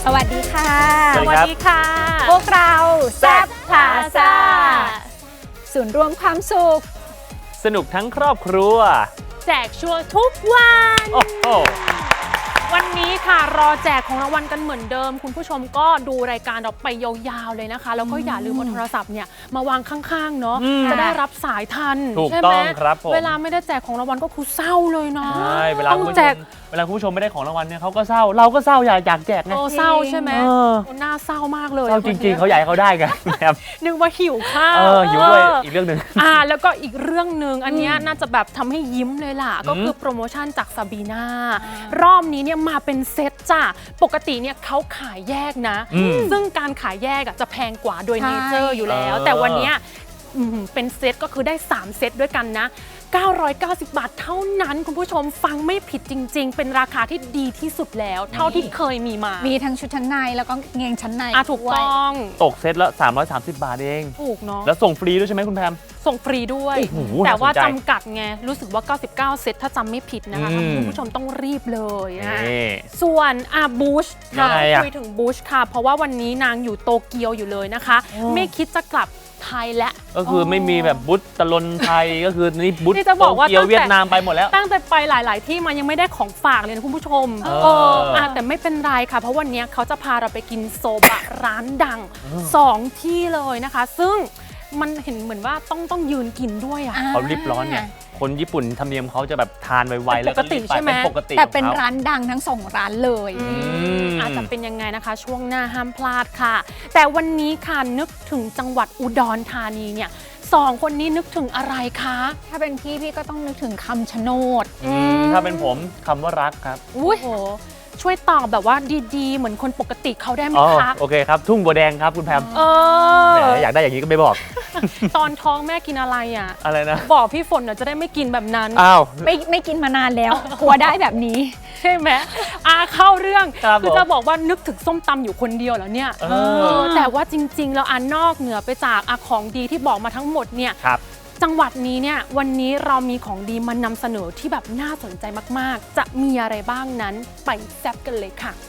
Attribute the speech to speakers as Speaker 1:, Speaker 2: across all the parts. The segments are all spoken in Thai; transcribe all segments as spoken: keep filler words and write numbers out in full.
Speaker 1: สวัสดีค่ะ
Speaker 2: สวัสดีค่ะ
Speaker 1: พวกเราแซ่บพลาซ่าศูนย์รวมความสุข
Speaker 2: สนุกทั้งครอบครัว
Speaker 3: แจกชัวร์ทุกวัน
Speaker 2: โอ้โห
Speaker 3: วันนี้ค่ะรอแจกของรางวัลกันเหมือนเดิมคุณผู้ชมก็ดูรายการเราไปยาวๆเลยนะคะแล้วก็อย่าลืมเอาโทรศัพท์เนี่ยมาวางข้างๆเนาะจะได้รับสายทัน
Speaker 2: ถูก
Speaker 3: ใช่ไห
Speaker 2: ต้
Speaker 3: ม
Speaker 2: องครับผม
Speaker 3: เวลาไม่ได้แจกของรางวัลก็คือเศร้าเลยเนาะ
Speaker 2: ใช่เวลา
Speaker 3: ต้อง
Speaker 2: คุณผู้
Speaker 3: แจ
Speaker 2: ช
Speaker 3: ก
Speaker 2: มเวลาคุณผู้ชมไม่ได้ของรางวัลเนี่ยเขาก็เศร้าเราก็เศร้าอยากอยากแจกไง
Speaker 3: โอ้เศร้าใช่ไหม
Speaker 2: เออ
Speaker 3: น่าเศร้ามากเลย
Speaker 2: เศร้าจริงๆเขาอยากให้เขาได้กันแบบ
Speaker 3: นึกว่าหิวข้าว
Speaker 2: เออหิวด้วยอีกเรื่องหนึ่ง
Speaker 3: อ่าแล้วก็อีกเรื่องหนึ่งอันเนี้ยน่าจะแบบทำให้ยิ้มเลยล่ะก็คือโปรโมชั่นจากซาบีนารอบนี้เนี่ยมาเป็นเซตจ้ะปกติเนี่ยเขาขายแยกนะ
Speaker 2: อืม
Speaker 3: ซึ่งการขายแยกอะจะแพงกว่าโดย
Speaker 1: ใช่
Speaker 3: เนเจอร์อยู่แล้ว
Speaker 2: เออ
Speaker 3: แต่วันเนี้ยอืมเป็นเซตก็คือได้สามเซตด้วยกันนะเก้าร้อยเก้าสิบบาทเท่านั้นคุณผู้ชมฟังไม่ผิดจริงๆ เป็นราคาที่ดีที่สุดแล้ว เท่าที่เคยมีมา
Speaker 1: มีทั้งชุดชั้นในแล้วก็เกงชั้นใน
Speaker 3: อ่ะถูก
Speaker 1: ด้วย
Speaker 3: ต้อง
Speaker 2: ตกเซตละสามร้อยสามสิบบาทเอง
Speaker 3: ถูกเนาะ
Speaker 2: แล้วส่งฟรีด้วยใช่ไหมคุณแพม
Speaker 3: ส่งฟรีด้วย
Speaker 2: โอ้โห
Speaker 3: แต่ว่า
Speaker 2: น่าสนใจ
Speaker 3: จำกัดไง รู้สึกว่า เก้าสิบเก้า เซตถ้าจำไม่ผิดนะคะ
Speaker 2: อืม
Speaker 3: คุณผู้ชมต้องรีบเลยนะ
Speaker 2: นี่
Speaker 3: ส่วนอาบูช
Speaker 2: ยั
Speaker 3: ค่ะ
Speaker 2: งไงอะ
Speaker 3: คุยถึงบูชค่ะ เพราะว่าวันนี้นางอยู่โตเกียวอยู่เลยนะคะ ไม่คิดจะกลับไทยและ
Speaker 2: ก็คือไม่มีแบบบุ๊ตตะลนไทย ก็คือนี่บุ๊ต
Speaker 3: นี่จะบอกว่า
Speaker 2: โตเกียว
Speaker 3: ตั้งแต่
Speaker 2: เวียดนามไปหมดแล้ว
Speaker 3: ตั้งแต่ไปหลาย ๆ ที่มันยังไม่ได้ของฝากเลยนะคุณผู้ชม
Speaker 2: เออ
Speaker 3: เอออ่ะแต่ไม่เป็นไรค่ะ เพราะวันนี้เขาจะพาเราไปกินโซบะ ร้านดังสองที่เลยนะคะ ซึ่งมันเห็นเหมือนว่าต้องต้องยืนกินด้วยอ่ะ
Speaker 2: เขารีบร้อนเนี่ยคนญี่ปุ่นธรรมเนียมเขาจะแบบทานไวๆแล้วก็รีบไป
Speaker 3: ปกติใช่ไหม
Speaker 2: เป็นปกติ
Speaker 1: แต่เป็น
Speaker 2: ของข
Speaker 1: ร้านดังทั้งสองร้านเลย
Speaker 3: อื
Speaker 2: ม
Speaker 3: อาจจะเป็นยังไงนะคะ ช่วงหน้าห้ามพลาดค่ะ แต่วันนี้ค่ะนึกถึงจังหวัดอุดรธานีเนี่ยสองคนนี้นึกถึงอะไรคะ
Speaker 1: ถ้าเป็นพี่พี่ก็ต้องนึกถึงคำชะโนด
Speaker 2: อืมถ้าเป็นผมคำว่ารักครับ
Speaker 3: อุ้ยโหช่วยตอบแบบว่าดีๆ เหมือนคนปกติเขาได้ไหม
Speaker 2: อ๋อ
Speaker 3: คะ
Speaker 2: โอเคครับ ทุ่งบัวแดงครับคุณแพม
Speaker 3: เอ
Speaker 2: แห
Speaker 3: อ
Speaker 2: มอยากได้อย่างนี้ก็ไม่บอก
Speaker 3: ตอนท้องแม่กินอะไรอ่ะ
Speaker 2: อะไรนะ
Speaker 3: บอกพี่ฝนเดี๋ยวจะได้ไม่กินแบบนั้น
Speaker 2: อ้าว
Speaker 1: ไม่ไม่กินมานานแล้ว กลัวได้แบบนี้
Speaker 3: ใช่ไหมอาเข้าเรื่อง
Speaker 2: ครับ
Speaker 3: คือจะบอกว่านึกถึงส้มตำอยู่คนเดียวแล้วเนี่ย
Speaker 2: เอ
Speaker 3: เอ
Speaker 2: อ
Speaker 3: อแต่ว่าจริงๆ แล้วอันนอกเหนือไปจากอาของดีที่บอกมาทั้งหมดเนี่ย
Speaker 2: ครับ
Speaker 3: จังหวัดนี้เนี่ยวันนี้เรามีของดีมานำเสนอที่แบบน่าสนใจมากๆ จะมีอะไรบ้างนั้นไปแซ่บกันเลยค่ะ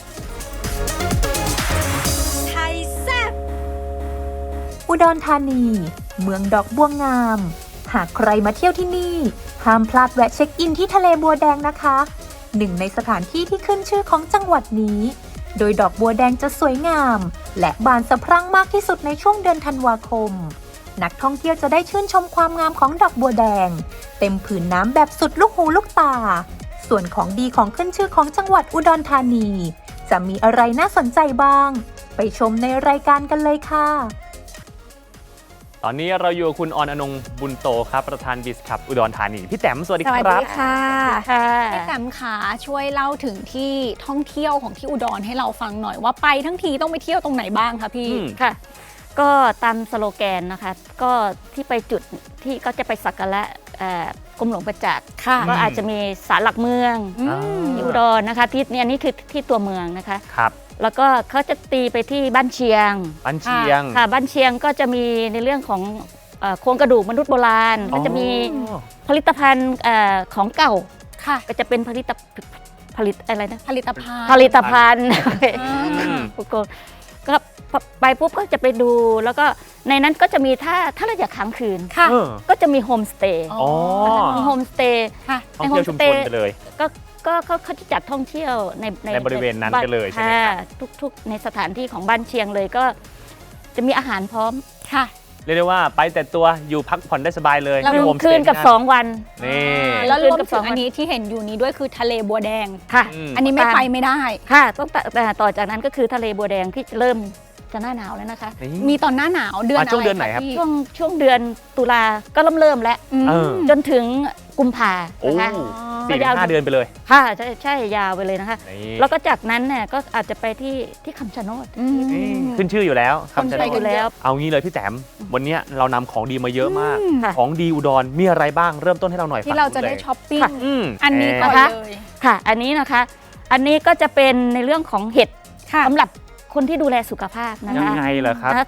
Speaker 1: ไทยแซ่บ
Speaker 4: อุดรธานี เมืองดอกบัวงาม หากใครมาเที่ยวที่นี่ ห้ามพลาดแวะเช็คอินที่ทะเลบัวแดงนะคะ หนึ่งในสถานที่ที่ขึ้นชื่อของจังหวัดนี้ โดยดอกบัวแดงจะสวยงาม และบานสะพรั่งมากที่สุดในช่วงเดือนธันวาคม นักท่องเที่ยวจะได้ชื่นชมความงามของดอกบัวแดง เต็มผืนน้ำแบบสุดลูกหูลูกตา ส่วนของดีของขึ้นชื่อของจังหวัดอุดรธานี จะมีอะไรน่าสนใจบ้าง ไปชมในรายการกันเลยค่ะ
Speaker 2: ตอนนี้เราอยู่กับคุณออนอนงค์บุญโตครับ ประธานบิสคับอุดรธานี พี่แต้มสวัสดี
Speaker 1: ส
Speaker 2: ค
Speaker 1: วัส
Speaker 2: รั
Speaker 1: ดี
Speaker 2: บ
Speaker 1: ค่ะ
Speaker 3: ค่ะ
Speaker 1: พี่แตมขาช่วยเล่าถึงที่ท่องเที่ยวของที่อุดรให้เราฟังหน่อยว่าไปทั้งทีต้องไปเที่ยวตรงไหนบ้างคะพี่
Speaker 2: อืม
Speaker 5: ค่ะ ก็ตามสโลแกนนะคะ ก็ที่ไปจุดที่ก็จะไปสักการะเอ่อกรมหลวงประจักษ์
Speaker 1: ค่ะ
Speaker 5: ก็อาจจะมีศาลหลักเมือง
Speaker 1: อืม
Speaker 5: ที่อุดรนะคะที่เนี่ยอันนี้คือที่ตัวเมืองนะคะ
Speaker 2: ครับ
Speaker 5: แล้วก็เขาจะตีไปที่บ้านเชียง
Speaker 2: ปันเชียง
Speaker 5: ค่ะบ้านเชียงก็จะมีในเรื่องของเอ่อโครงกระดูกมนุษย์โบราณ ก็จะมี
Speaker 2: อ๋อ
Speaker 5: ผลิตภัณฑ์เอ่อของเก่า
Speaker 1: ค่ะ
Speaker 5: ก็จะเป็นผลิตผลิตอะไรนะ
Speaker 1: ผลิตภัณฑ์
Speaker 5: ผลิตภัณฑ์
Speaker 1: อ่า
Speaker 2: อืม
Speaker 5: ก็ก็ไปปุ๊บก็จะไปดู แล้วก็ในนั้นก็จะมีถ้าถ้าเราอยากค้างคืน
Speaker 1: ค่ะ
Speaker 2: เออ
Speaker 5: ก็จะมีโฮมสเตย์
Speaker 2: อ๋อ
Speaker 5: มีโฮมสเตย์
Speaker 1: ค่ะ
Speaker 2: ท่องเที่ยวชุมชนไปเลย
Speaker 5: ก็ก็เขาเขาจะจัดท่องเที่ยวใน
Speaker 2: ในบริเวณนั้นกันเลยใช่ไหมครับ
Speaker 5: ะทุกๆ ในสถานที่ของบ้านเชียงเลยก็จะมีอาหารพร้อม
Speaker 1: ค่ะ
Speaker 2: เรียกได้ว่าไปแต่ตัวอยู่พักผ่อนได้สบายเลย
Speaker 1: แล้ว
Speaker 2: ไม่
Speaker 5: ห
Speaker 2: โฮ
Speaker 5: นึ่
Speaker 2: ม
Speaker 5: ง
Speaker 2: ส
Speaker 5: คื
Speaker 2: เต
Speaker 5: น
Speaker 2: ย์
Speaker 5: กับ
Speaker 2: ที่
Speaker 5: สองวัน
Speaker 2: นี่
Speaker 1: แล้วรวม
Speaker 5: คืนกับ
Speaker 1: ถึ
Speaker 5: สอง ง
Speaker 1: อันนี้ที่เห็นอยู่นี้ด้วยคือทะเลบัวแดง
Speaker 5: ค่ะ
Speaker 2: อืม
Speaker 1: อันนี้ไม่ไปไม่ได้
Speaker 5: ค่ะต้องต่อแต่ต่อจากนั้นก็คือทะเลบัวแดงที่เริ่มจะหน้าหนาวแล้วนะคะ
Speaker 2: นี่
Speaker 1: มีตอนหน้าหนาวเดือน
Speaker 2: อ่ะ
Speaker 1: อะไร
Speaker 2: ช่วงเดือนไหนครับ
Speaker 1: พี่
Speaker 5: ช่วงช่วงเดือนตุลาก็เริ่มเริ่มแล้ว
Speaker 1: อืม
Speaker 2: เออ
Speaker 5: จนถึงกุมภา
Speaker 2: โอ้
Speaker 5: นะคะ
Speaker 2: สี่ถึงห้าเดือนไปเลย
Speaker 5: ค่ะใช่ใช่ยาวไปเลยนะคะ
Speaker 2: นี่
Speaker 5: แล้วก็จากนั้นเนี่ยก็อาจจะไปที่ที่คำชะโนด
Speaker 1: อืม
Speaker 2: นี่ขึ้นชื่ออยู่แล้ว
Speaker 1: คน
Speaker 2: คำชะ
Speaker 1: ไป
Speaker 2: โน
Speaker 1: กั
Speaker 2: ด
Speaker 1: น
Speaker 5: แล้ว
Speaker 2: เอางี้เลยพี่แต้มวันนี้เรานำของดีมาเยอะมาก
Speaker 5: ค่ะ
Speaker 2: ของดีอุดรมีอะไรบ้างเริ่มต้นให้เราหน่อย
Speaker 1: ที่เราจะได้
Speaker 2: ฝั่งนู้นลย
Speaker 1: ช้อปปิ้ง
Speaker 5: ค่ะ
Speaker 2: อืม
Speaker 1: อันนี้ก่อน
Speaker 5: นะคะ
Speaker 1: เลย
Speaker 5: ค่ะ อันนี้นะคะ อันนี้ก็จะเป็นในเรื่องของเห็ด
Speaker 1: ค่ะ
Speaker 5: สำหรับคนที่ดูแลสุขภาพนะ
Speaker 2: ยัง
Speaker 5: คะ
Speaker 2: ไงเหรอครับ
Speaker 5: นะ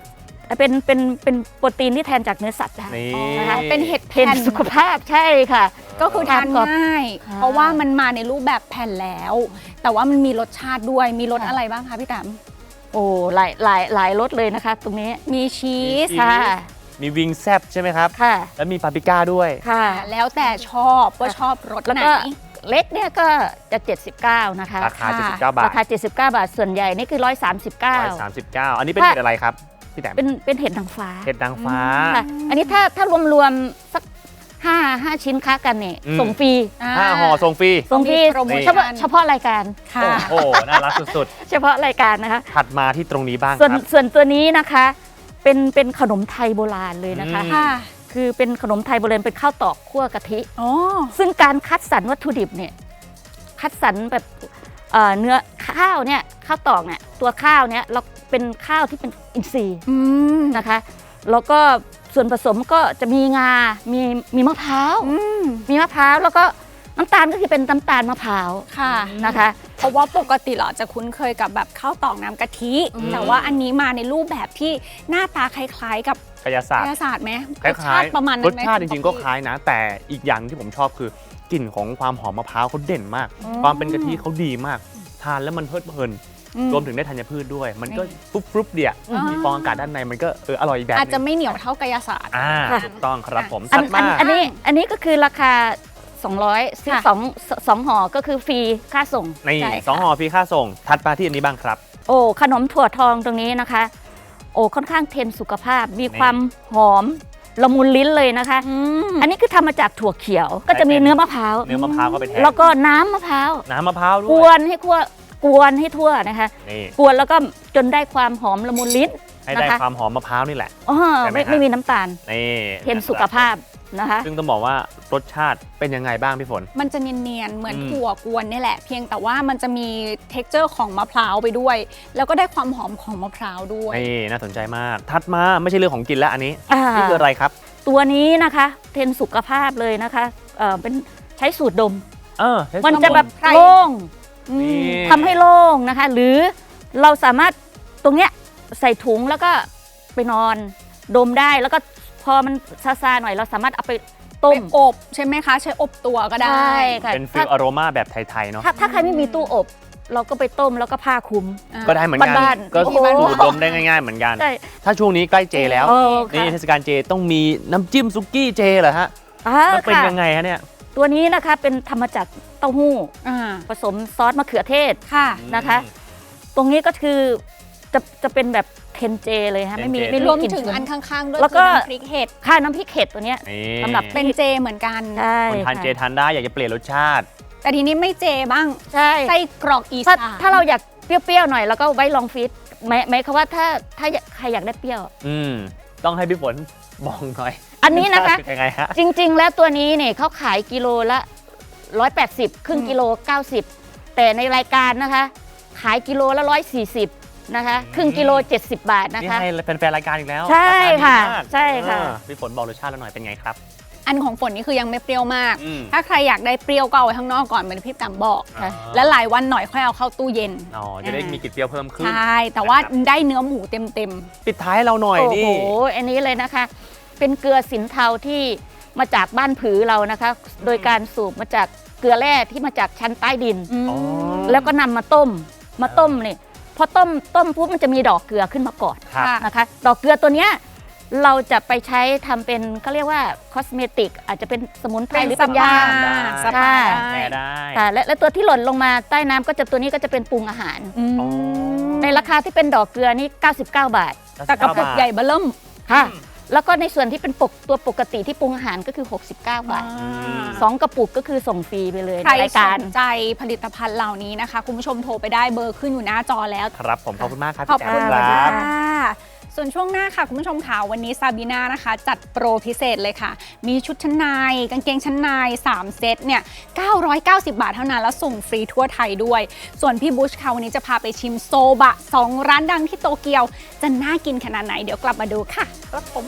Speaker 5: เป็นเป็นเป็นโปรตีนที่แทนจากเนื้อสัตว์ได้
Speaker 2: นี่
Speaker 5: นะคะ
Speaker 1: เป็นเห็ด
Speaker 5: เป็น
Speaker 1: แผ่น
Speaker 5: สุขภาพใช่ค่ะ
Speaker 1: ก็คือทาน
Speaker 5: ทานกรอบ
Speaker 1: ง่าย
Speaker 5: ค่ะ
Speaker 1: เพราะว่ามันมาในรูปแบบแผ่นแล้ว แต่ว่ามันมีรสชาติด้วยมีรส
Speaker 5: ค่ะ
Speaker 1: อะไรบ้างคะพี่แตม
Speaker 5: โอ้หลายหลายหลายรสเลยนะคะ ตรงนี้
Speaker 1: มีชีส
Speaker 2: มี
Speaker 5: ค่ะ
Speaker 2: มีวิงแซบใช่ไหมครับ
Speaker 5: ค่ะ
Speaker 2: แล้วมีปาปริก้าด้วย
Speaker 5: ค่ะ
Speaker 1: แล้วแต่ชอบว่าชอบรส
Speaker 5: แล้ว
Speaker 1: ไหน
Speaker 5: ก็เล็กเนี่ยก็จะ เจ็ดสิบเก้า นะคะ
Speaker 2: ราคา
Speaker 1: ค่ะ
Speaker 2: เจ็ดสิบเก้าบาท
Speaker 5: ราคา เจ็ดสิบเก้า บาท ส่วนใหญ่นี่คือ หนึ่งร้อยสามสิบเก้า
Speaker 2: ร้อยสามสิบเก้าอันนี้เป็น
Speaker 5: ถ้า
Speaker 2: เห็ดอะไรครับพี่แต้ม
Speaker 5: เป็นเป็นเห็ดนางฟ้า
Speaker 2: เห็ดนางฟ้า
Speaker 5: ค่ะ อันนี้ถ้าถ้ารวมรวมๆสักห้าห้าชิ้นค้ากันเนี่ย
Speaker 2: อืม
Speaker 5: ส่งฟรี
Speaker 2: ห้าห่อส่งฟรี
Speaker 5: ส่งฟรี
Speaker 1: มีโปรโมชั่น
Speaker 5: เฉพาะเฉพาะรายการ
Speaker 1: ค่ะ
Speaker 2: โอ้โหน่ารักสุด
Speaker 5: เฉพาะรายการนะคะ
Speaker 2: ๆ ถัดมาที่ตรงนี้บ้าง
Speaker 5: ส่วน
Speaker 2: ครับ
Speaker 5: ส่วนตัวนี้นะคะ เป็นเป็นขนมไทยโบราณเลยนะคะ
Speaker 2: อืม
Speaker 1: ค่ะ
Speaker 5: คือเป็นขนมไทยโบราณเป็นข้าวตอกคั่วกะทิ
Speaker 1: อ๋อ
Speaker 5: ซึ่งการคัดสรรวัตถุดิบเนี่ยคัดสรรแบบเอ่อเนื้อข้าวเนี่ยข้าวตอกเนี่ยตัวข้าวเนี่ยเราเป็นข้าวที่เป็นอินทรีย์
Speaker 1: อืม
Speaker 5: นะคะแล้วก็ส่วนผสมก็จะมีงา มีมีมะพร้าว
Speaker 1: อืม
Speaker 5: มีมะพร้าวแล้วก็น้ำตาลก็คือเป็นน้ำตาลมะพร้าว
Speaker 1: ค่ะ
Speaker 5: นะคะ
Speaker 1: เพราะว่าปกติเราจะคุ้นเคยกับแบบข้าวตอกน้ำกะทิ
Speaker 2: อืม
Speaker 1: แต่ว่าอันนี้มาในรูปแบบที่หน้าตาคล้ายๆ กับ
Speaker 2: กายศาสต
Speaker 1: กา
Speaker 2: ร์
Speaker 1: ยศาสตร์ไหม
Speaker 2: คล้าย
Speaker 1: รสชาติประมาณ
Speaker 2: ๆ
Speaker 1: นั้
Speaker 2: ร
Speaker 1: น
Speaker 2: ส
Speaker 1: ไหม
Speaker 2: ชาติจ
Speaker 1: คุณ
Speaker 2: ริงๆก็
Speaker 1: ป๊อปปี้
Speaker 2: คล้ายนะ แต่อีกอย่างที่ผมชอบคือกลิ่นของความหอมมะพร้าวเขาเด่นมาก
Speaker 1: อืม
Speaker 2: ความเป็นกะทิเขาดีมาก ทานแล้วมันเพลิดเพลิน
Speaker 1: อืม
Speaker 2: รวมถึงได้ธัญพืชด้วย มันก็
Speaker 1: นี่
Speaker 2: ฟรุบฟรุบเดีย
Speaker 1: อ่ามี
Speaker 2: มีฟองอากาศด้านในมันก็เอออร่อยอีกแบบ
Speaker 1: อาจจะ
Speaker 2: หนึ่ง
Speaker 1: ไม่เหนียวเท่ากายศาสตร์
Speaker 2: อ่า
Speaker 5: ค่ะ
Speaker 2: ถูกต้องครับผม
Speaker 5: อัน
Speaker 2: ถัด
Speaker 5: อั
Speaker 2: มาน
Speaker 5: อันนี้อันนี้ก็คือราคา สองร้อยซื้อ
Speaker 1: ค่ะ
Speaker 5: สองสองห่อก็คือฟรีค่าส่ง
Speaker 2: นี่
Speaker 1: ใช่ค่ะ
Speaker 2: สองห่อฟรีค่าส่ง ถัดมาที่อันนี้บ้างครับ
Speaker 5: โอ้ขนมถั่วทองตรงนี้นะคะ โอ้ค่อนข้างเทรนสุขภาพ มี
Speaker 2: นี่
Speaker 5: ความหอมละมุนลิ้นเลยนะคะ
Speaker 1: อืม
Speaker 5: อันนี้คือทำมาจากถั่วเขียว ก็จะมี
Speaker 2: เป็น
Speaker 5: เนื้อมะพร้าว
Speaker 2: เนื้อมะพร้าวก็ไปแทน
Speaker 5: แล้วก็น้ำมะพร้าว
Speaker 2: น้ำมะพร้าวด้
Speaker 5: ก
Speaker 2: ว
Speaker 5: วย นให้ทั่วกวนให้ทั่วนะคะ
Speaker 2: นี่
Speaker 5: กวนแล้วก็จนได้ความหอมละมุนลิ้น
Speaker 2: ให้ได้
Speaker 5: นะคะ
Speaker 2: ความหอมมะพร้าวนี่แหละ
Speaker 5: อ๋อ
Speaker 2: ใช่ไหม
Speaker 5: ไม่
Speaker 2: ฮะ
Speaker 5: ไม่มีน้ำตาล
Speaker 2: นี่
Speaker 5: เทรนสุขภาพนะคะ
Speaker 2: ซึ่งต้องบอกว่ารสชาติเป็นยังไงบ้างพี่ฝน
Speaker 1: มันจะเนียนๆ เหมือน
Speaker 2: อืม
Speaker 1: ถั่วกวนนี่แหละ เพียงแต่ว่ามันจะมี เท็กเจอร์ ของมะพร้าวไปด้วย แล้วก็ได้ความหอมของมะพร้าวด้วย
Speaker 2: นี่น่าสนใจมาก ถัดมาไม่ใช่เรื่องของกินแล้วอันนี้
Speaker 5: อ่า
Speaker 2: นี่คืออะไรครับ
Speaker 5: ตัวนี้นะคะเทรนสุขภาพเลยนะคะเอ่อเป็นใช้สูตรดม
Speaker 2: เออใช้
Speaker 5: มัน
Speaker 2: สมุ
Speaker 5: จะแบบ
Speaker 1: ไพร
Speaker 5: โล่ง
Speaker 2: นี่
Speaker 5: ทำให้โล่งนะคะ หรือเราสามารถตรงเนี้ยใส่ถุงแล้วก็ไปนอนดมได้แล้วก็พอมันซาซาๆหน่อยเราสามารถเอาไปต้
Speaker 1: ไป
Speaker 5: ม
Speaker 1: อบใช่ไหมคะ ใช้อบตัวก็ได้
Speaker 5: ใช่ค่ะ
Speaker 2: เป็นฟิ
Speaker 5: ถ้า
Speaker 2: ลอโรมาแบบไทยๆเนาะ
Speaker 5: ถ้าถ้าใครไม่มีตู้อบ เราก็ไปต้มแล้วก็ผ้าคลุม
Speaker 1: อ่า
Speaker 2: ก็ได้เหมือนกัน
Speaker 5: บ้านๆ
Speaker 2: ก็
Speaker 5: โอ้โห
Speaker 2: สูตรดมได้ง่ายๆเหมือนกัน
Speaker 5: ใช่
Speaker 2: ถ้าช่วงนี้ใกล้เจแล้ว
Speaker 5: โอ้
Speaker 2: นี่
Speaker 5: ค่ะ
Speaker 2: เทศกาลเจต้องมีน้ำจิ้มซุกี้เจเหรอฮะ
Speaker 5: อ่า
Speaker 2: มันเป็น
Speaker 5: ค่ะ
Speaker 2: ยังไงฮะเนี่ย
Speaker 5: ตัวนี้นะคะเป็นทำมาจากเต้าหู้
Speaker 1: อ่า
Speaker 5: ผสมซอสมะเขือเทศ
Speaker 1: ค่ะ
Speaker 5: นะคะ ตรงนี้ก็คือจะจะเป็นแบบเทนเจเลยฮะไม่มี
Speaker 2: เทนเจ
Speaker 5: ไม่
Speaker 1: ร
Speaker 5: มี
Speaker 1: วม
Speaker 5: กลิ่น
Speaker 1: ถึง
Speaker 5: ฉุน
Speaker 1: อันข้างๆ ด้วย
Speaker 5: แล้วก็
Speaker 1: คือน้ำพริกเห็ด
Speaker 5: ค่าน้ำพริกเห็ดตัวเนี้ย
Speaker 2: นี่
Speaker 5: สำหรับ
Speaker 1: เป็นเจเหมือนกัน
Speaker 5: ใช่
Speaker 2: คนทานเจ
Speaker 5: ค่ะ
Speaker 2: ทานได้อยากจะเปลี่ยนรสชาติ
Speaker 1: แต่ทีนี้ไม่เจบ้าง
Speaker 5: ใช่
Speaker 1: ไส้กรอกอี
Speaker 5: ถ้า
Speaker 1: สาน
Speaker 5: ถ้าเราอยากเปรี้ยวๆหน่อยแล้วก็ไว้ลองฟีดหมายหมายความว่าถ้าถ้าใครอยากได้เปรี้ยว
Speaker 2: อืมต้องให้พี่ฝนบอกหน่อย
Speaker 5: อันนี้นะคะ
Speaker 2: รสชาติเป็ยังไงฮะ
Speaker 5: จริงๆ แล้วตัวนี้เนี่ยเขาขายกิโลละหนึ่งร้อยแปดสิบครึ่งกิโลเก้าสิบแต่ในรายการนะคะ ขายกิโลละหนึ่งร้อยสี่สิบนะคะครึ่งกิโลเจ็ดสิบบาทนะ
Speaker 2: นี่
Speaker 5: คะ
Speaker 2: ให้เป็นแฟนรายการอีกแล้ว
Speaker 5: ใช่
Speaker 2: ราาดี
Speaker 5: ค่ะ
Speaker 2: มาก
Speaker 5: ใช่ค่ะ
Speaker 2: เออพี่ฝนบอกรสชาติแล้วหน่อยเป็นไงครับ
Speaker 1: อันของฝนนี่คือยังไม่เปรี้ยวมาก
Speaker 2: อืม
Speaker 1: ถ้าใครอยากได้เปรี้ยวก็เอาไว้ข้างนอกก่อนเหมือนพี่แต๋มบอก
Speaker 5: ค่ะ
Speaker 1: และหลายวันหน่อยค่อยเอาเข้าตู้เย็น
Speaker 2: อ๋อจะได้มีกลิ่นเปรี้ยวเพิ่มขึ้น
Speaker 1: ใช่ แต่ว่า
Speaker 2: นะครับ
Speaker 1: ได้เนื้อหมูเต็ม
Speaker 2: ปิดท้ายให้เราหน่อย
Speaker 5: โอ้
Speaker 2: นี่
Speaker 5: โห อันนี้เลยนะคะ เป็นเกลือสินเทาที่มาจากบ้านผือเรานะคะ โดยการสูบมาจากเกลือแร่ที่มาจากชั้นใต้ดิน
Speaker 1: ๆอืม
Speaker 2: อ๋อ
Speaker 5: แล้วก็นำมาต้ม มาต้มนี่พอต้มต้มปุ๊บมันจะมีดอกเกลือขึ้นมาก่อน
Speaker 2: ครับ
Speaker 1: ค่ะ
Speaker 5: นะคะ ดอกเกลือตัวเนี้ยเราจะไปใช้ทำเป็นเขาเรียกว่าคอสเมติกอาจจะเป็นสมุนไพร
Speaker 1: เป็น
Speaker 5: หรือ
Speaker 1: ส
Speaker 5: เป็น
Speaker 1: ปาย
Speaker 5: า
Speaker 1: สปา
Speaker 2: แพ้ได้
Speaker 5: ค่ะและและตัวที่หล่นลงมาใต้น้ำก็จะตัวนี้ก็จะเป็นปรุงอาหาร
Speaker 1: อืม
Speaker 2: อ๋อ
Speaker 5: ในราคาที่เป็นดอกเกลือนี่เก้าสิบเก้า บาท
Speaker 1: แต่กระปุกใหญ่เบ้อเริ่ม
Speaker 5: ค่ะ แล้วก็ในส่วนที่เป็นปกตัวปกติที่ปรุงอาหารก็คือ หกสิบเก้า บาท
Speaker 2: ม
Speaker 5: สองกระปุกก็คือส่งฟรีไปเลย
Speaker 1: ใคร
Speaker 5: ในราย
Speaker 1: ส
Speaker 5: การ
Speaker 1: นใจผลิตภัณฑ์เหล่านี้นะคะ คุณผู้ชมโทรไปได้เบอร์ขึ้นอยู่หน้าจอแล้ว
Speaker 2: ครับผมขอบคุณมากครับ
Speaker 1: ขอบ
Speaker 2: พี่
Speaker 1: คุณ
Speaker 2: แต้ม
Speaker 1: ค่ะ
Speaker 2: ครับ
Speaker 1: ส่วนช่วงหน้าค่ะ คุณผู้ชมค่ะวันนี้ซาบีน่านะคะ จัดโปรพิเศษเลยค่ะ มีชุดชั้นในกางเกงชั้นในสามเซตเนี่ยเก้าร้อยเก้าสิบบาทเท่านั้น แล้วส่งฟรีทั่วไทยด้วย ส่วนพี่บุชค่ะวันนี้จะพาไปชิมโซบะสองร้านดังที่โตเกียว จะน่ากินขนาดไหนเดี๋ยวกลับมาดูค่ะครับผม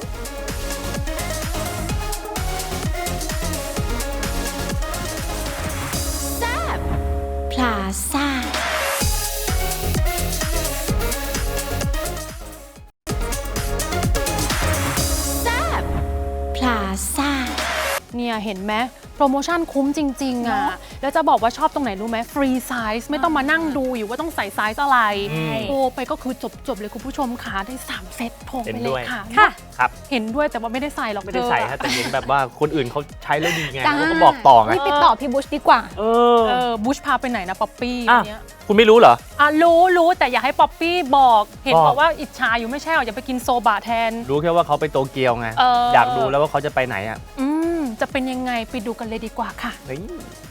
Speaker 6: พลาซ่า
Speaker 3: เนี่ยเห็นไหมโปรโมชั่นคุ้มจริงๆอ่ะแล้วจะบอกว่าชอบตรงไหนรู้ไหมฟรีไซส์ไม่ต้องมานั่งดูอยู่ว่าต้องใส่ไซส์อะไร
Speaker 2: อืม
Speaker 3: โทรไปก็คือจบๆเลยคุณผู้ชมค่ะได้สามเซตโทรไป
Speaker 2: เห็น
Speaker 3: เล
Speaker 2: ด้วย
Speaker 3: ยค่ะ
Speaker 1: ค่ะ
Speaker 2: ครับ
Speaker 3: เห็นด้วยแต่ว่าไม่ได้ใส่หรอก
Speaker 2: ไม่ได้ใส่
Speaker 3: เธอ
Speaker 2: ฮะแต่เห็นแบบว่าคนอื่นเขาใช้แล้วดีไง
Speaker 1: จ้า
Speaker 2: เขาก็บอกต่อไง
Speaker 1: นี่ไปต่อพี่บุชดีกว่า
Speaker 2: เออ
Speaker 3: เออบุชพาไปไหนนะป๊อปปี้
Speaker 2: อ่ะ
Speaker 3: เนี้ย
Speaker 2: คุณไม่รู้เหรอ
Speaker 3: อ่ะรู้รู้แต่อย่าให้ป๊อปปี้บอกเห็น
Speaker 2: บอก
Speaker 3: บอกว่าอิจฉาอยู่ไม่ใช่หรออย่าไปกินโซบะแทน
Speaker 2: รู้แค่ว่าเขาไปโตเกียวไง
Speaker 3: เอออ
Speaker 2: อยากรู้แล้วว่าเขาจะไปไหนอ่ะ
Speaker 3: อืมจะเป็นยังไงไปดูกันเลยดีกว่าค่ะ
Speaker 2: เฮ้ย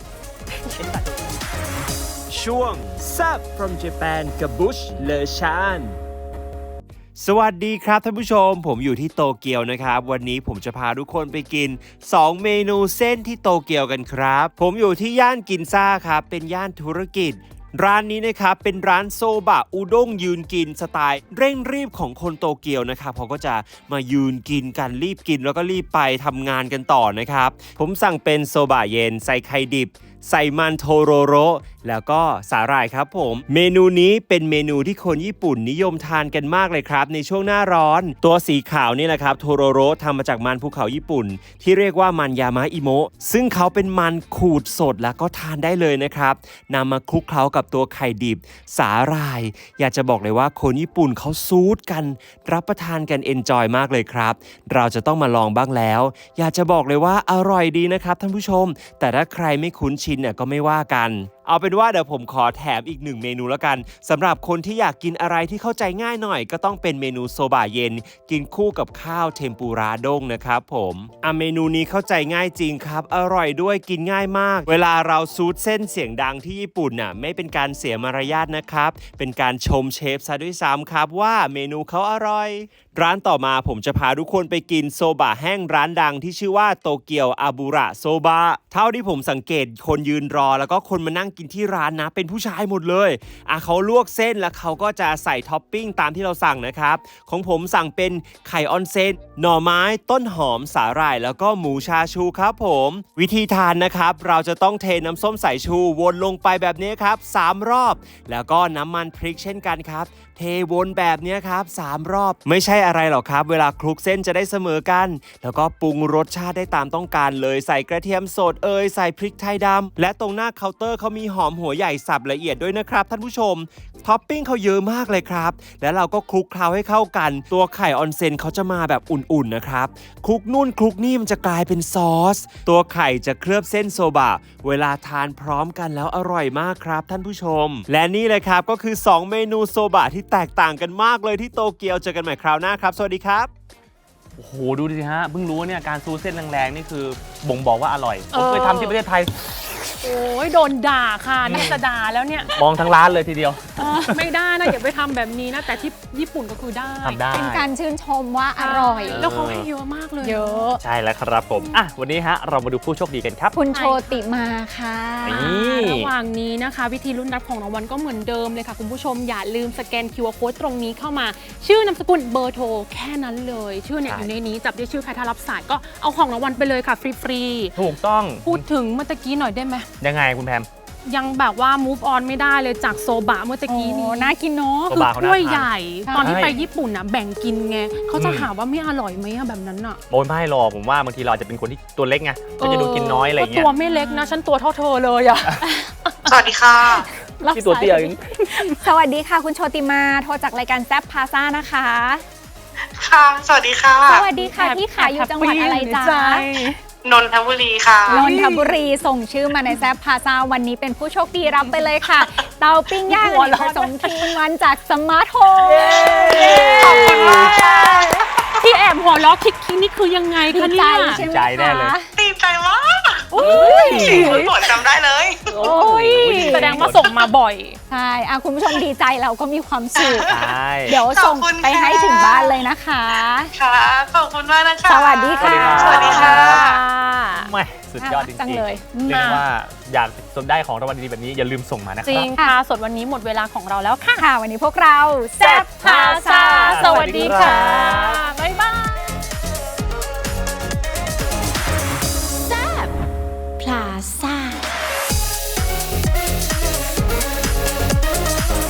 Speaker 7: ช่วง Zap from Japan กับบุชเลชานสวัสดีครับท่านผู้ชมผมอยู่ที่โตเกียวนะครับ วันนี้ผมจะพาทุกคนไปกิน สอง เมนูเส้นที่โตเกียวกันครับ ผมอยู่ที่ย่านกินซ่าครับเป็นย่านธุรกิจ ร้านนี้นะครับเป็นร้านโซบะอุด้งยืนกินสไตล์เร่งรีบของคนโตเกียวนะครับเขาก็จะมายืนกินกันรีบกินแล้วก็รีบไปทำงานกันต่อนะครับผมสั่งเป็นโซบะเย็นใส่ไข่ดิบใส่มันโทโรโรแล้วก็สาหร่ายครับผมเมนูนี้เป็นเมนูที่คนญี่ปุ่นนิยมทานกันมากเลยครับในช่วงหน้าร้อนตัวสีขาวนี่แหละครับโทโรโรทำมาจากมันภูเขาญี่ปุ่นที่เรียกว่ามันยามะอิโมะซึ่งเขาเป็นมันขูดสดแล้วก็ทานได้เลยนะครับนำมาคลุกเคล้ากับตัวไข่ดิบสาหร่ายอยากจะบอกเลยว่าคนญี่ปุ่นเขาซูดกันรับประทานกันเอนจอยมากเลยครับเราจะต้องมาลองบ้างแล้วอยากจะบอกเลยว่าอร่อยดีนะครับท่านผู้ชมแต่ถ้าใครไม่คุ้นชินเนี่ยก็ไม่ว่ากันเอาเป็นว่าเดี๋ยวผมขอแถมอีกหนึ่งเมนูแล้วกันสำหรับคนที่อยากกินอะไรที่เข้าใจง่ายหน่อยก็ต้องเป็นเมนูโซบะเย็นกินคู่กับข้าวเทมปุระด้งนะครับผมอ่ะเมนูนี้เข้าใจง่ายจริงครับอร่อยด้วยกินง่ายมากเวลาเราซูดเส้นเสียงดังที่ญี่ปุ่นน่ะไม่เป็นการเสียมารยาทนะครับเป็นการชมเชฟซะด้วยซ้ำครับว่าเมนูเขาอร่อยร้านต่อมาผมจะพาทุกคนไปกินโซบะแห้งร้านดังที่ชื่อว่าโตเกียวอาบุระโซบะเท่าที่ผมสังเกตคนยืนรอแล้วก็คนมานั่งกินที่ร้านนะเป็นผู้ชายหมดเลยอ่ะเขาลวกเส้นแล้วเขาก็จะใส่ท็อปปิ้งตามที่เราสั่งนะครับของผมสั่งเป็นไข่ออนเซนหน่อไม้ต้นหอมสาหร่ายแล้วก็หมูชาชูครับผมวิธีทานนะครับเราจะต้องเทน้ำส้มสายชูวนลงไปแบบนี้ครับสามรอบแล้วก็น้ำมันพริกเช่นกันครับเทวนแบบนี้ครับสามรอบไม่ใช่อะไรหรอกครับเวลาคลุกเส้นจะได้เสมอกันแล้วก็ปรุงรสชาติได้ตามต้องการเลยใส่กระเทียมสดเอยใส่พริกไทยดำและตรงหน้าเคาน์เตอร์เขามีหอมหัวใหญ่สับละเอียดด้วยนะครับท่านผู้ชมท็อปปิ้งเขาเยอะมากเลยครับแล้วเราก็คลุกเคล้าให้เข้ากันตัวไข่ออนเซนเขาจะมาแบบอุ่นๆนะครับคลุกนู่นคลุกนี่มันจะกลายเป็นซอสตัวไข่จะเคลือบเส้นโซบะเวลาทานพร้อมกันแล้วอร่อยมากครับท่านผู้ชมและนี่เลยครับก็คือสองเมนูโซบะที่แตกต่างกันมากเลยที่โตเกียวเจอกันใหม่คราวหน้าครับสวัสดีครับ
Speaker 2: โอ้โหดูดิฮะเพิ่งรู้ว่าเนี่ยการซูดเส้นแรงๆนี่คือบ่งบอกว่าอร่อยผมเคย
Speaker 3: เออ
Speaker 2: ทำที่ประเทศไทย
Speaker 3: โอ้ยโดนด่าค่ะน่าจะด่าแล้วเนี่ย
Speaker 2: มองทั้งร้านเลยทีเดียว
Speaker 3: ไม่ได้นะอย่าไปทำแบบนี้นะแต่ที่ญี่ปุ่นก็คือได้
Speaker 2: ทำได้
Speaker 1: เป็นการชื่นชมว่าอร่อย
Speaker 3: แล้วเขาให้เยอะมากเลย
Speaker 1: เยอะ
Speaker 2: ใช่แล้วครับผมอ่ะวันนี้ฮะเรามาดูผู้โชคดีกันครับ
Speaker 1: คุณโชติมาค่ะ
Speaker 2: นี่
Speaker 3: ระหว่างนี้นะคะ วิธีลุ้นรับของรางวัลก็เหมือนเดิมเลยค่ะคุณผู้ชมอย่าลืมสแกน คิว อาร์ Code ตรงนี้เข้ามา ชื่อนามสกุลเบอร์โทรแค่นั้นเลย ชื่อเนี่ยอยู่ในนี้จับได้ชื่อใครถ้ารับสายก็เอาของรางวัลไปเลยค่ะฟรี
Speaker 2: ถูกต้อง
Speaker 3: ๆพูดถึงเมื่อตะกี้หน่อยได้ไหม
Speaker 2: ยังไงคุณแพม
Speaker 3: ยังแบบว่า move on ไม่ได้เลยจากโซบะเมื่อตะกี้นี้
Speaker 1: โอ้น่ากินเนาะ
Speaker 2: โซ
Speaker 3: คือบ
Speaker 2: ะเขาน่า
Speaker 3: ถ้วย
Speaker 2: ทาน
Speaker 3: ใหญ่
Speaker 1: ใช่
Speaker 3: ตอนที่ไปญี่ปุ่นนะแบ่งกินไงเขาจะ
Speaker 2: อืม
Speaker 3: หาว่าไม่อร่อยไหมอะแบบนั้นอะ
Speaker 2: โอนไม่หรอกผมว่าบางทีเราอาจจะเป็นคนที่ตัวเล็กไงก็จะดูกินน้อยอะไรอย่างเงี้
Speaker 3: ก็
Speaker 2: ย
Speaker 3: ตัวไม่เล็กนะ ฉันตัวเท่าเธอเลยอะ
Speaker 8: สวัสดีค่ะ
Speaker 1: รับ
Speaker 2: ที่ตัวเตี้ย
Speaker 1: สา
Speaker 2: เอง
Speaker 1: สวัสดีค่ะ คุณโชติมาโทรจากรายการแซฟพาซ่านะคะ
Speaker 8: ค่ะ สวัสดีค่ะ
Speaker 1: สวัสดีค่ะที่ขายอยู่จังหวัดอะไรจ๊ะ
Speaker 8: นนทบุรีค่ะ
Speaker 1: นนทบุรีส่งชื่อมาในแซฟพาซ่าวันนี้เป็นผู้โชคดีรับไปเลยค่ะ เตาปิ้งย่างอเนกประสงค์ทีนวันจากสมาร์ทโฮม
Speaker 8: ขอบคุณมากค่ะ
Speaker 3: ที่แอบหัวล้อคิกคิกนี่คือยังไง
Speaker 1: ดี
Speaker 3: คะ
Speaker 1: ใจ
Speaker 3: เนี่ย
Speaker 1: ใช่ไหม
Speaker 2: ใจแน่เลย
Speaker 1: คะ
Speaker 8: ดีใจมาก
Speaker 3: อุ้ย
Speaker 8: คุณฝนจำได้เลย
Speaker 3: โอ้ยแสดงว่าส่งมาบ่อย
Speaker 1: ใช่อ่ะคุณผู้ชมดีใจเราก็มีความสุข
Speaker 2: ใช่
Speaker 1: เดี๋ยวส่ง
Speaker 8: ขอบคุณ
Speaker 1: ไปให้
Speaker 8: ค่ะ
Speaker 1: ถึงบ้านเลยนะคะ
Speaker 8: ค่ะ ขอบคุณมากนะคะ
Speaker 1: สวัสดีค่ะ
Speaker 8: สวัสดีค่ะ
Speaker 2: ไม่สุดยอดจริง
Speaker 1: จัง
Speaker 2: ๆ
Speaker 1: เลย
Speaker 2: เรียกได้ว่าอยากสนได้ของรางวัลดีๆแบบนี้อย่าลืมส่งมานะค
Speaker 3: จริ
Speaker 2: รับ
Speaker 3: งค่ะสดวันนี้หมดเวลาของเราแล้วค่ะ
Speaker 1: ค่ะ วันนี้พวกเรา
Speaker 3: แซ่บพาซาสวัสดีค่ะ